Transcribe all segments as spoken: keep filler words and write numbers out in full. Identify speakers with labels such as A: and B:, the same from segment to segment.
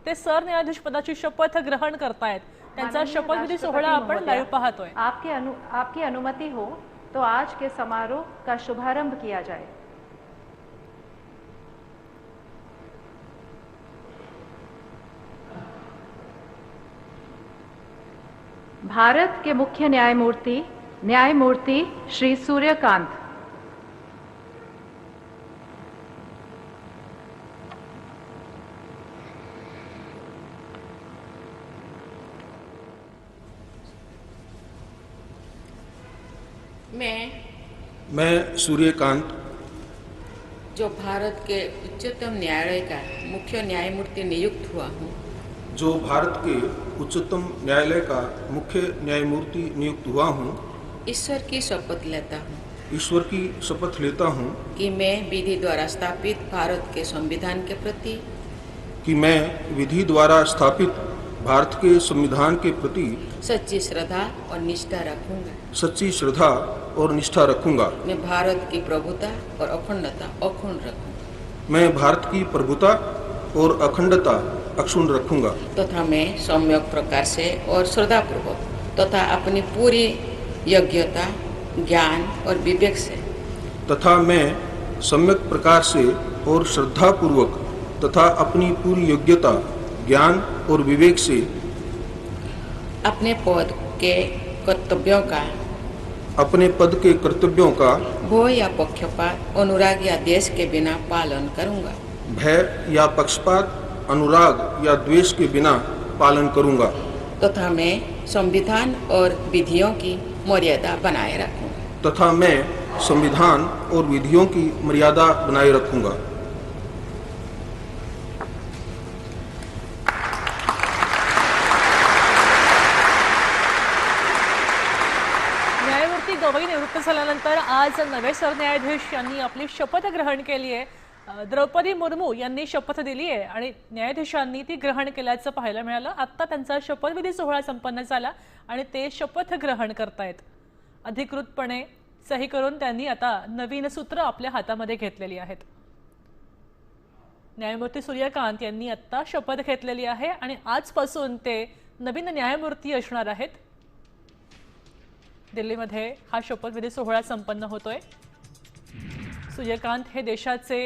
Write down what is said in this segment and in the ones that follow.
A: ते सरन्यायाधीश पदाची शपथ ग्रहण करतायत। त्यांचा शपथविधी सोहळा आपण लाईव्ह पाहतोय।
B: आपकी अनु आपकी अनुमति हो तो आज के समारोह का शुभारंभ किया जाए। भारत के मुख्य न्यायमूर्ति न्यायमूर्ति श्री सूर्यकांत।
C: मैं
D: मैं सूर्यकांत
C: जो भारत के उच्चतम न्यायालय का मुख्य न्यायमूर्ति नियुक्त हुआ हूँ,
D: जो भारत के उच्चतम न्यायालय का मुख्य न्यायमूर्ति नियुक्त हुआ हूँ,
C: ईश्वर की शपथ लेता हूँ
D: ईश्वर की शपथ लेता हूँ
C: कि मैं विधि द्वारा स्थापित भारत के संविधान के प्रति
D: कि मैं विधि द्वारा स्थापित भारत के संविधान के प्रति
C: सच्ची श्रद्धा और निष्ठा रखूंगा।
D: सच्ची श्रद्धा और निष्ठा रखूंगा।
C: मैं भारत की प्रभुता और अखंडता अक्षुण्ण रखूंगा।
D: मैं भारत की प्रभुता और अखंडता अक्षुण्ण रखूंगा
C: तथा मैं सम्यक प्रकार से और श्रद्धापूर्वक तथा अपनी पूरी योग्यता, ज्ञान और विवेक से
D: तथा मैं सम्यक प्रकार से और श्रद्धापूर्वक तथा अपनी पूरी योग्यता, ज्ञान और विवेक से
C: अपने पद के कर्तव्यों का
D: अपने पद के कर्तव्यों का
C: भय या पक्षपात, अनुराग या द्वेष के बिना पालन करूंगा।
D: भय या पक्षपात, अनुराग या द्वेष के बिना पालन करूंगा
C: तथा मैं संविधान और विधियों की मर्यादा बनाए रखूंगा
D: तथा मैं संविधान और विधियों की मर्यादा बनाए रखूंगा।
A: न्यायमूर्ती गवई निवृत्त झाल्यानंतर आज नवे सरन्यायाधीश यांनी आपली शपथ ग्रहण केली आहे। द्रौपदी मुर्मू यांनी शपथ दिली आहे आणि न्यायाधीशांनी ती ग्रहण केल्याचं पाहायला मिळालं। आता त्यांचा शपथविधी सोहळा संपन्न झाला आणि ते शपथ ग्रहण करतायत। अधिकृतपणे सही करून त्यांनी आता नवीन सूत्र आपल्या हातामध्ये घेतलेली आहेत। न्यायमूर्ती सूर्यकांत यांनी आता शपथ घेतलेली आहे आणि आजपासून ते नवीन न्यायमूर्ती असणार आहेत। दिल्लीमध्ये हा शपथविधी सोहळा संपन्न होतोय। सूर्यकांत हे देशाचे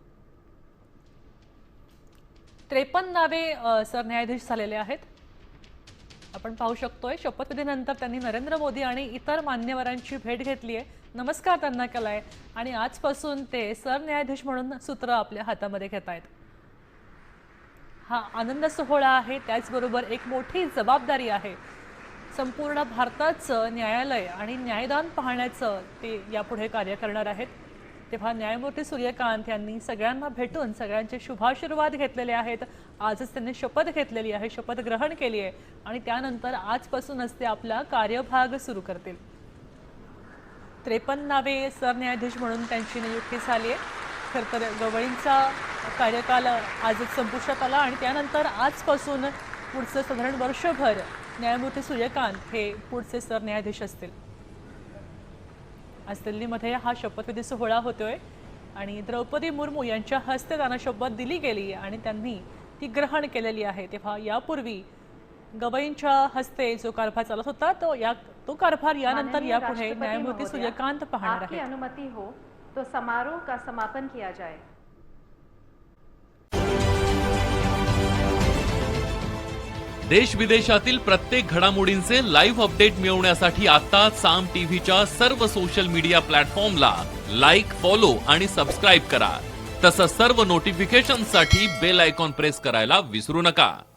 A: त्रेपन्नावे सरन्यायाधीश झालेले आहेत। आपण पाहू शकतोय शपथविधीनंतर त्यांनी नरेंद्र मोदी आणि इतर मान्यवरांची भेट घेतली आहे, नमस्कार त्यांना केलाय आणि आजपासून ते सरन्यायाधीश म्हणून सूत्र आपल्या हातामध्ये घेत आहेत। हा आनंद सोहळा आहे, त्याचबरोबर एक मोठी जबाबदारी आहे। संपूर्ण भारताचं न्यायालय आणि न्यायदान पाहण्याचं ते यापुढे कार्य करणार आहेत। तेव्हा न्यायमूर्ती सूर्यकांत यांनी सगळ्यांना भेटून सगळ्यांचे शुभाशीर्वाद घेतलेले आहेत। आजच त्यांनी शपथ घेतलेली आहे, शपथ ग्रहण केली आहे आणि त्यानंतर आजपासूनच ते आपला कार्यभाग सुरू करतील। त्रेपन्नावे सरन्यायाधीश म्हणून त्यांची नियुक्ती झाली आहे। खरं तर गवईंचा कार्यकाल आजच संपुष्टात आला आणि त्यानंतर आजपासून पुढचं साधारण वर्षभर न्यायमूर्ती सूर्यकांत हे पुढचे सरन्यायाधीश असतील। आज दिल्लीमध्ये हा शपथविधी सोहळा होतोय आणि द्रौपदी मुर्मू यांच्या हस्ते त्यांना शपथ दिली गेली आणि त्यांनी ती ग्रहण केलेली आहे। तेव्हा यापूर्वी गवईंच्या हस्ते जो कारभार चालत होता तो या तो कारभार यानंतर यापुढे न्यायमूर्ती सूर्यकांत पाहणार आहेत।
B: आपकी अनुमति हो तो समारोह का समापन किया जाए।
E: देश विदेशातील प्रत्येक घडामोडींचे लाईव्ह अपडेट मिळवण्यासाठी आता साम टीव्हीच्या सर्व सोशल मीडिया प्लॅटफॉर्मला लाईक, फॉलो आणि सबस्क्राईब करा। तसंच सर्व नोटिफिकेशनसाठी बेल आयकॉन प्रेस करायला विसरू नका।